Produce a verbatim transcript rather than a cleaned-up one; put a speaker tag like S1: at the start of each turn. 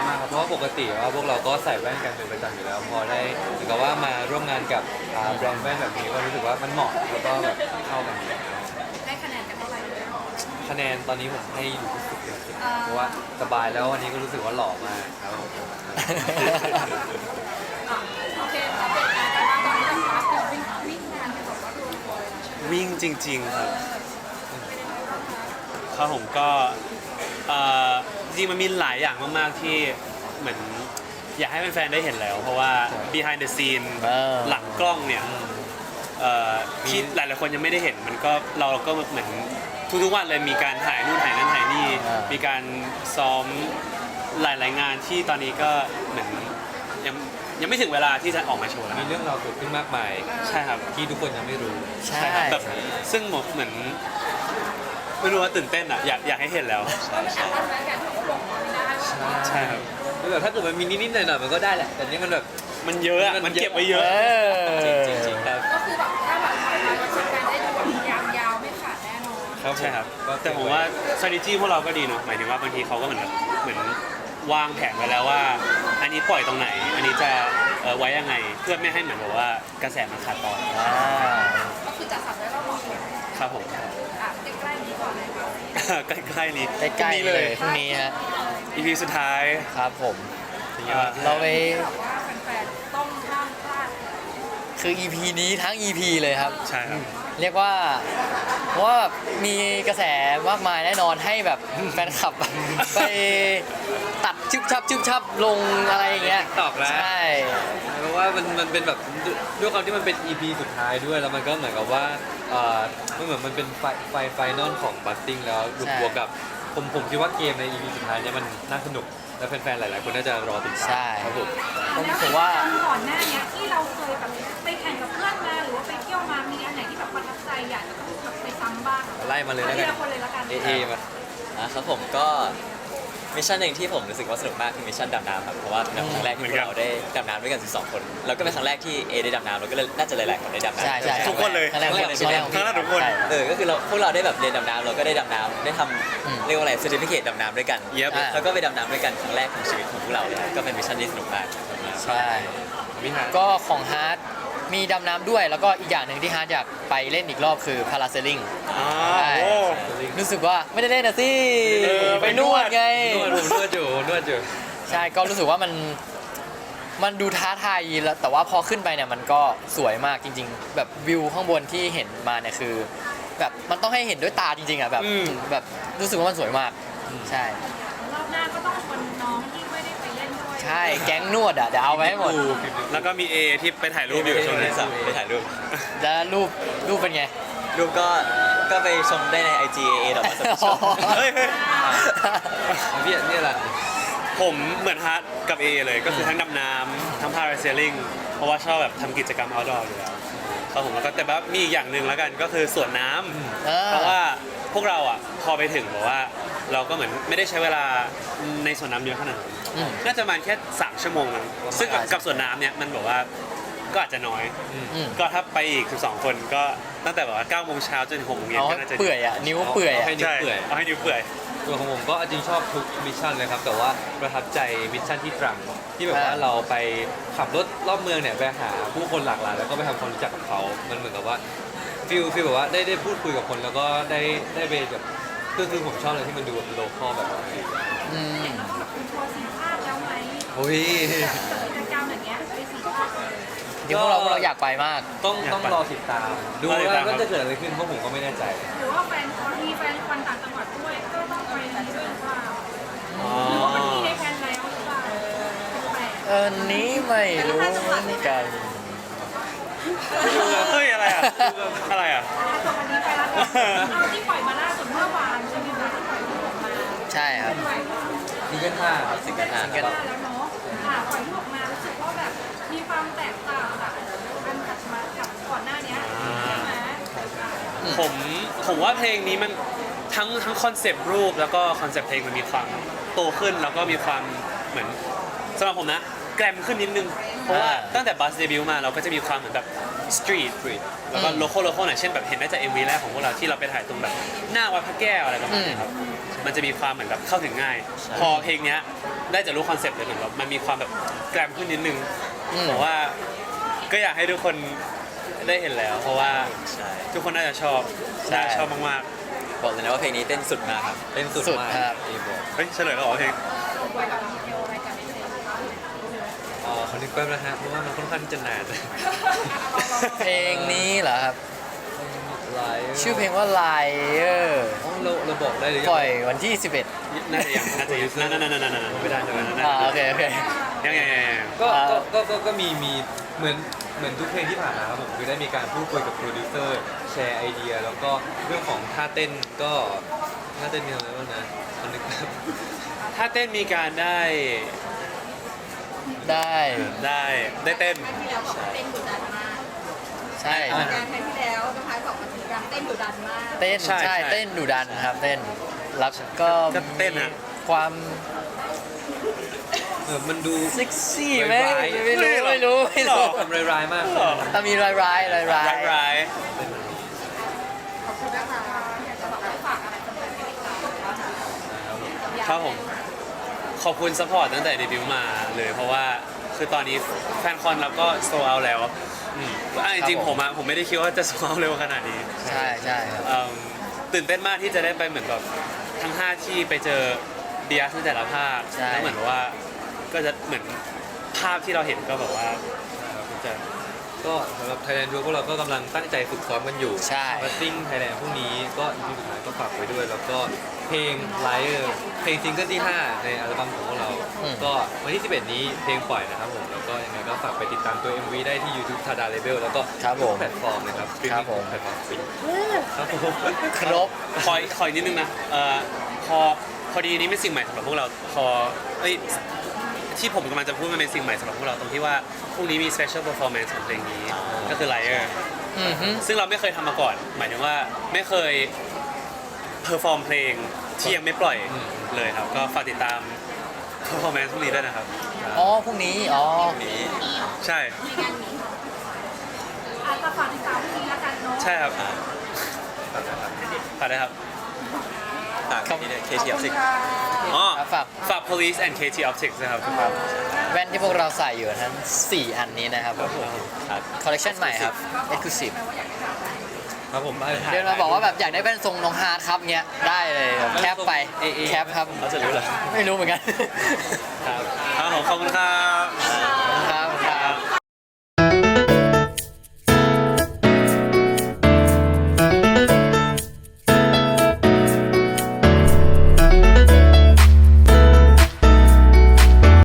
S1: มากครับเพราะว่าปกติว่าพวกเราก็ใส่แว่นกันเป็นประจำอยู่แล้ว พอได้เหมือนกับว่ามาร่วมงานกับอ่าแบรนด์แว่นแบบนี้ก็รู้สึกว่ามันเหมาะแล้วก็แบบเข้ากันดี
S2: ได้คะแนนกันเท่าไหร่
S1: คะแนนตอนนี้ผมให้อยู่ที่สิบเต็มสิบเพราะว่าสบายแล้ววันนี้ก็รู้สึกว่าหล่อมากครับผม
S2: โอเคอัปเดตงานกันบ้างตอนนี้ทางฟ้าคือวิ่งวิ่งงานกันแบบว่ารวมๆเลยนะใช่ไหม
S3: วิ่งจริง ๆ ครับ
S2: เป็นยังไงบ้างคะ
S3: ครับผมก็เอ่อจริงๆมันมีหลายอย่างมากๆที่เหมือนอยากให้แฟนๆได้เห็นแล้ว เพราะว่า behind the scene
S4: เออ
S3: หลังกล้องเนี่ยเอ่อที่หลายๆคนยังไม่ได้เห็นมันก็เราก็เหมือนทุกๆวันเลยมีการถ่ายนู่นถ่ายนั่นถ่ายนี่
S4: อ่ามี
S3: มีการซ้อมหลายๆงานที่ตอนนี้ก็เหมือนยังยังไม่ถึงเวลาที่จะออกมาโชว์แล้ว
S1: มีเรื่องราวเกิดขึ้นมากมาย
S3: ใช่ครับ
S1: ที่ทุกคนยังไม่รู้
S4: ใช่
S3: ครับแบบซึ่งเหมือนไม่รู้ว่าตื่นเต้นอ่ะอยากอยากให้เห็นแล้ว
S2: ก็มันแอบตั้งแฟนกันเขาก็บอกว่าไม่ได้ว่า
S3: ใช่ครับ
S1: แล้วแบบถ้าเกิดมันมีนิดๆหน่อยๆมันก็ได้แหละ แต่นี่มันแบบ
S3: มันเยอะอะมันเก็บไว้เย
S4: เอ
S3: อะ
S4: อ
S1: จริงๆครับ
S2: ก็คือแบบถ้าแบบปล่อยมาจะการได้ดูแบบยาวๆไม่ขาดแน่นอน
S1: ครับ
S3: ใช่ครับ
S1: ก็
S3: แต่ผมว่า strategy พวกเราก็ดีเนาะหมายถึงว่าบางทีเขาก็เหมือนแบบเหมือนวางแผนไว้แล้วว่า อันนี้ปล่อยตรงไหน อันนี้จะเอ่อไว้ยังไง เพื่อไม่ให้เหมือนแบบว่ากระแสมันขาดตอน
S4: อ่า
S2: ก็คือจัดสรรไว้เราเหมาะสม
S3: ครับผม
S2: อ่ะใกล้ๆนี้ก่อนเลยค่ะ
S3: ใกล้ๆนี้
S4: ใกล้ๆ
S3: พรุ่งนี้
S4: เล
S3: เลย ย
S4: พรุ่งนี้ฮะ
S3: อีพีสุดท้าย
S4: ครับผม
S3: เอ่อ
S4: เราไป
S2: แบบว่าแฟนๆต้องห้ามพลาด
S4: คือ อี พี นี้ทั้ง อี พี เลยครับ
S3: ใช่ครับ
S4: เรียกว่าเพราะว่าแบบมีกระแสมากมายแน่นอนให้แบบแฟนคลับ ไปตัดชึบชับชึบชับลงอะไรอย่างเงี้ย
S1: ตอบแล้ว
S4: ใช่
S1: เพราะว่ามันมันเป็นแบบด้วยความที่มันเป็น อี พี สุดท้ายด้วยแล้วมันก็เหมือนกับว่าเอ่อมันเหมือนมันเป็นไฟไฟไฟนอลของบัตติ้งแล้วรวมบวกกับผมผมคิดว่าเกมใน อี พี สุดท้ายเนี่ยมันน่าสนุกและแฟนๆหลายๆคนน่าจะรอติดตาม
S4: ใช่
S1: ครับผม
S4: ผมถือว่า
S2: แล้วก่อนหน้าเนี้ยที่เราเคยแบบไปแข่งกับเพื่อนมาหรือว่าไปเที่ยวมามีอันไหนที่แบบประทับใจอยากจะต้องแบบไปซ้ำบ้าง
S1: ไล่มาเลย
S2: เอา
S1: แล้ว
S2: ที
S1: กัน
S2: ละคนเลยละกัน
S1: เอเอมา
S5: อ่ะครับผมก็มิชชั่นหนึ่งที่ผมรู้สึกว่าสนุกมากคือมิชชั่นดำน้ำครับเพราะว่าเป็นครั้งแรกที่พวกเราได้ดำน้ำด้วยกันสิบสองคนแล้วก็เป็นครั้งแรกที่เอได้ดำน้ำแล้วก็เลยน่าจะหลายๆคนได้ดำน้ำ
S4: ใช่ใช่
S3: ทุกคนเลย
S4: ครั้งแรกของ
S5: ครั้
S4: ครั้งแรก
S5: ง
S4: ของ
S5: แรก
S4: พี่
S3: ทุกคน
S4: ใช่
S5: เออก็คือเราพวกเราได้แบบเรียนดำน้ำเราก็ได้ดำน้ำได้ท
S4: อืม
S5: ำเรียกว่าอะไรเซอร์ติฟิเคตดำน้ำด้วยกัน
S3: Yep
S4: อ่า
S5: แล้วก็ไปดำน้ำด้วยกันครั้งแรกของชีวิตของพวกเราเลยก็เป็นมิชชั่นที่สนุกมาก
S4: ใช่
S1: มิฮา
S4: ก็ของฮาร์ดมีดำน้ำด้วยแล้วก็อีกอย่างหนึ่งที่ฮาร์ดอยากไปเล่นอีกรอบคือพาราเซลลิง
S3: อ๋อ
S4: ใช่
S3: โอ้
S4: รู้สึกว่าไม่ได้เล่นนะสิ
S3: เออ
S4: ไปนวดไง
S1: นวดผมนวดอยู่นวดอยู่
S4: ใช่ก็รู้สึกว่ามันมันดูท้าทายแล้วแต่ว่าพอขึ้นไปเนี่ยมันก็สวยมากจริง ๆ แบบวิวข้างบนที่เห็นมาเนี่ยคือ แบบมันต้องให้เห็นด้วยตาจริงๆอ่ะแบบ
S3: อืม
S4: แบบรู้สึกว่ามันสวยมากใช่
S2: รอบหน้าก็ต้องชวนน้องที่ไม่ได้ไปเล่นด้วย
S4: ใช่แก๊งนวดอ่ะเดี๋ยวเอาไว้ให้หมด
S3: แล้วก็มีเอที่ไปถ่ายรูปอยู่ช่วงนี้
S5: ไปถ่ายรูป
S4: แล้วรูปรูปเป็นไง
S5: รูปก็ก็ไปชมได้ใน ไอ จี เอ เอ ดอกมาส
S3: เฮ้ยเฮ้ย
S1: พี่เนี่ยแหละ
S3: ผมเหมือนฮาร์ดกับเอเลยก็คือทั้งดำน้ำทั้งพาราเซลลิงเพราะว่าชอบแบบทำกิจกรรม outdoor อยู่แล้วครับผมแล้วก็แต่ว่ามีอีกอย่างหนึ่งแล้วกันก็คือสวนน้ำ
S4: เออ
S3: เพราะว่าพวกเราอ่ะพอไปถึงบอกว่าเราก็เหมือนไม่ได้ใช้เวลาในสวนน้ำเยอะขนาดนั้น
S4: อืม
S3: น่าจะประมาณแค่สามชั่วโมงมั้งซึ่งกับกับสวนน้ำเนี่ยมันบอกว่าก็อาจจะน้อย
S4: อืม
S3: ก็ถ้าไปอีกสิบสองคนก็ตั้งแต่แบบว่าเก้าโมงเช้าจนถึงหกโมงเย็น
S4: เอา
S3: ก็
S4: ให้
S3: น่าจะ
S4: เปื่อยอ่ะนิ้วเปื่อยอ่ะ
S1: ให้นิ้ว
S3: ใช่
S1: เปื่อย
S3: เอาให้นิ้วเปื่อย
S1: ตัวของผมก็จริงชอบทุกมิชชั่นเลยครับแต่ว่าประทับใจมิชชั่นที่ตรังที่แบบว่า
S4: อ่า
S1: เราไปขับรถรอบเมืองเนี่ยไปหาผู้คนหลากหลายแล้วก็ไปทำความรู้จักกับเขา มันเหมือนกับว่าฟิลฟิลแบบว่าได้ได้พูดคุยกับคนแล้วก็ได้ได้ไปแบบคือคือผมชอบเลยที่มันดูแบบโลคอลแบบนี้
S4: อืม
S2: แล้วก็แบบคุณทัวร์สีภาพแล้วไหม
S1: โอ้ย
S2: แบบกิจกรรมอย่างเงี้ยไปสีภาพเลย
S4: เดี๋ยวพวกเราพวกเราอยากไปมาก
S1: ต้อง
S3: อยาก
S1: ต้อง
S3: ไป
S1: รอติดตาม ดู
S3: รอติด
S1: ว่า
S3: ตามครับ
S1: ว่าจะเกิดอะไรขึ้นเพราะผมก็ไม่แน่ใจ
S2: หรือว่าแฟนคอนมีแฟนคอนต่างจังหวัดด้วยก็ต้องไปนี้ด้วยหรือเปล่า
S3: อ๋อ
S2: หรือว่ามันมีในแผนแล้วหรือเปล่าแปลก
S4: เออนี้ไม่รู้เหมือนกัน
S3: เฮ้ยอะไรอ่ะอะไรอ่ะ
S2: ๆอ่ะส่วนวันนี้ไปแล้วกันเอาที่ปล่อยมาล่าสุดเมื่อวานใช่ไหมคะที่ปล่อยรูปออกมา
S4: ใช่ครับ
S2: ปล่อย
S1: ดีกันห้า
S5: สิงกันหา
S4: ซิงเกิล
S2: มาแล้วเนาะค่ะปล่อยรูปออกมารู้สึกว่าแบบมีความแตกต่างจากอันถัดมากับก่อนหน้านี้ใช่ไหม
S3: ผมผมว่าเพลงนี้มันทั้งทั้งคอนเซปต์รูปแล้วก็คอนเซปต์เพลงมันมีความโตขึ้นแล้วก็มีความเหมือนสำหรับผมนะแกรมขึ้นนิดนึงเพราะว่า
S4: อ่า
S3: ตั้งแต่บัสเดบิวต์มาเราก็จะมีความเหมือนแบบสตรีทแล้วก็
S4: อืม
S3: โลคอลโลคอลหน่อยเช่นแบบเห็นได้จาก เอ็ม วี แรกของพวกเราที่เราไปถ่ายตรงแบบหน้าวัดพระแก้วอะไรประมาณนี้ครับมันจะมีความเหมือนแบบเข้าถึงง่าย พอเพลงเนี้ยได้จะรู้คอนเซ็ปต์เลยเหมือนแบบมันมีความแบบแกรมขึ้นนิดนึง
S4: อืม
S3: ผมว่าก็อยากให้ทุกคนได้เห็นแล้ว เพราะว่า
S5: ใช่
S3: ทุกคนน่าจะชอบ
S4: ใช่
S3: น่าจะชอบมาก
S5: บอกเลยนะว่าเพลงนี้เต้นสุดมากครับ
S1: เต้นสุด
S4: สุด
S1: มาก
S4: ครับ
S1: เอบอก
S3: ๆเฮ้ยเฉลยแล้วเหรอเพลง
S2: ไว้กับดีเทลอะไรกันนิดนึงนะคะ
S1: อ๋อขอนึกแป๊บนะฮะเพราะว่ามันค่อนข้างจะนาน
S4: เพลงนี้เหรอครับ
S1: ไลฟ์
S4: ชื่อเพลงว่า Liar
S1: อ๋อเราเราบอกได้หรือยัง
S4: ปล่อยวันที่ สิบเอ็ด
S3: น่าจะยังน่าจะยังนั่นนั่นนั่นนั่น
S1: ไม่ได้ใช่ไหม
S4: อ่าโอเคโอเค
S3: ยังยังยังยัง
S1: ก็
S4: อ่า
S1: ก็ก็ก็ก็มีมีเหมือนเหมือนทุกเพลงที่ผ่านมาครับผมคือได้มีการพูดคุยกับโปรดิวเซอร์แชร์ไอเดีย แล้วก็เรื่องของท่าเต้นก็ท่าเต้นมีอะไรบ้างนะขอนึกแป๊บ
S3: ถ้าเต้นมีการได้
S4: ได้
S3: ได้ได้เต้น
S2: ครั้งที่แล้วบอกว่าเต้นดุดันมาก
S4: ใช่
S2: งานครั้งที่แล้วนะคะสองวันถึงการเต้นดุดันมาก
S4: เต้น
S3: ใช่
S4: ใช่
S3: ใช่
S4: เต้นดุดันครับเต้นแล้วก็
S3: ก็เต้นอะ
S4: มีความ
S1: เออมันดู
S4: เซ็กซี่ไหม
S1: ร้ายๆ
S4: ไม่รู้ไม่รู้ไม่รู้
S1: ทำร้ายๆมาก
S3: หรอ
S4: ถ้ามีร้ายร้ายร้ายร้า
S3: ร้าย ยร้าย
S2: ขอบคุณนะคะอยากจะบอกให้ฝากอะไรสำหรับเพลงต่างๆ
S3: ครับผมขอบคุณซัพพอร์ตตั้งแต่เดบิวต์มาเลยเพราะว่าคือตอนนี้แฟนคอนเราก็โซเอาแล้วอืมอ่ะจริงๆผมอะผมไม่ได้คิดว่าจะโซเอาเร็วขนาดนี้
S4: ใช่ใช่ครับ
S3: เอิ่มตื่นเต้นมากที่จะได้ไปเหมือนแบบทั้งห้าที่ไปเจอเดียสในแต่ละภาค
S4: ใช่
S3: แล้วเหมือนว่าก็จะเหมือนภาพที่เราเห็นก็แบบว่าจะ
S1: ก็สำหรับ Thailand Tour พวกเราก็กำลังตั้งใจฝึกซ้อมกันอยู่
S4: ใช่
S1: มาซิ่ง Thailand พรุ่งนี้ก็อีพีสุดท้ายก็ฝากไว้ด้วย แล้วก็เพลงไลฟ์เพลงซิงเกิลที่ห้าในอัลบั้มของพวกเรา
S4: อืม
S1: ก็วันที่สิบเอ็ดนี้เพลงปล่อยนะครับผมแล้วก็ยังไงก็ฝากไปติดตามตัว เอ็ม วี ได้ที่ YouTube Tada Label แล้วก็
S4: ครับผม
S1: ทุกแพลตฟอร์มนะครับ
S4: ครับผม
S1: แพลตฟอร์มฟินครับผม
S4: ครบ
S3: คอยคอยนิดนึงนะเอ่อพอพอดีนี้เป็นสิ่งใหม่สำหรับพวกเราพอเอ้ยที่ผมกำลังจะพูดมันเป็นสิ่งใหม่สำหรับพวกเราตรงที่ว่าพรุ่งนี้มี special performance ของเพลงนี้ก็คือ Liar
S4: อือฮึ
S3: ซึ่งเราไม่เคยทำมาก่อน หมายถึงว่าไม่เคยเพอร์ฟอร์มเพลงที่ยังไม่ปล่อยเลยครับ ก็ฝากติดตาม performance พรุ่งนี้ด้วยนะครับ
S4: อ๋อพรุ่งนี้อ๋อ
S5: นี้
S3: ใช่
S2: ในงานนี้อาจจะฝากติดตามพรุ่งนี้แล้วกันเนาะ
S3: ใช่ครับ
S5: อ่า
S3: ฝากได้ครับ
S5: ต่างกันนี่เนี่ยเคที
S2: ข
S5: อ
S2: อ
S5: อบ ฟ
S2: คุ
S5: ซิ
S2: ณ
S5: ก
S2: ค่ะ
S3: อ๋อ
S4: ครับฝาก
S3: ฝาก police and เค ที optics นะครับทุกคน
S4: แว่นที่พวกเราใส่อยู่ทั้งสี่อันนี้นะครับ
S5: ครับ
S4: คอลเลคชันใหม่ครับ Exclusive
S1: ครับผม
S4: เดินมาบอกว่าแบบอยากได้แว่นทรงน้องฮาร์ดครับเงี้ยได้เลยแบบแคปไป
S1: เอเอ
S4: แคปครับ
S1: เขาจะรู้เหรอ
S4: ไม่รู้เหมือนกัน
S1: ครับ
S3: ครับผมขอบคุณครับ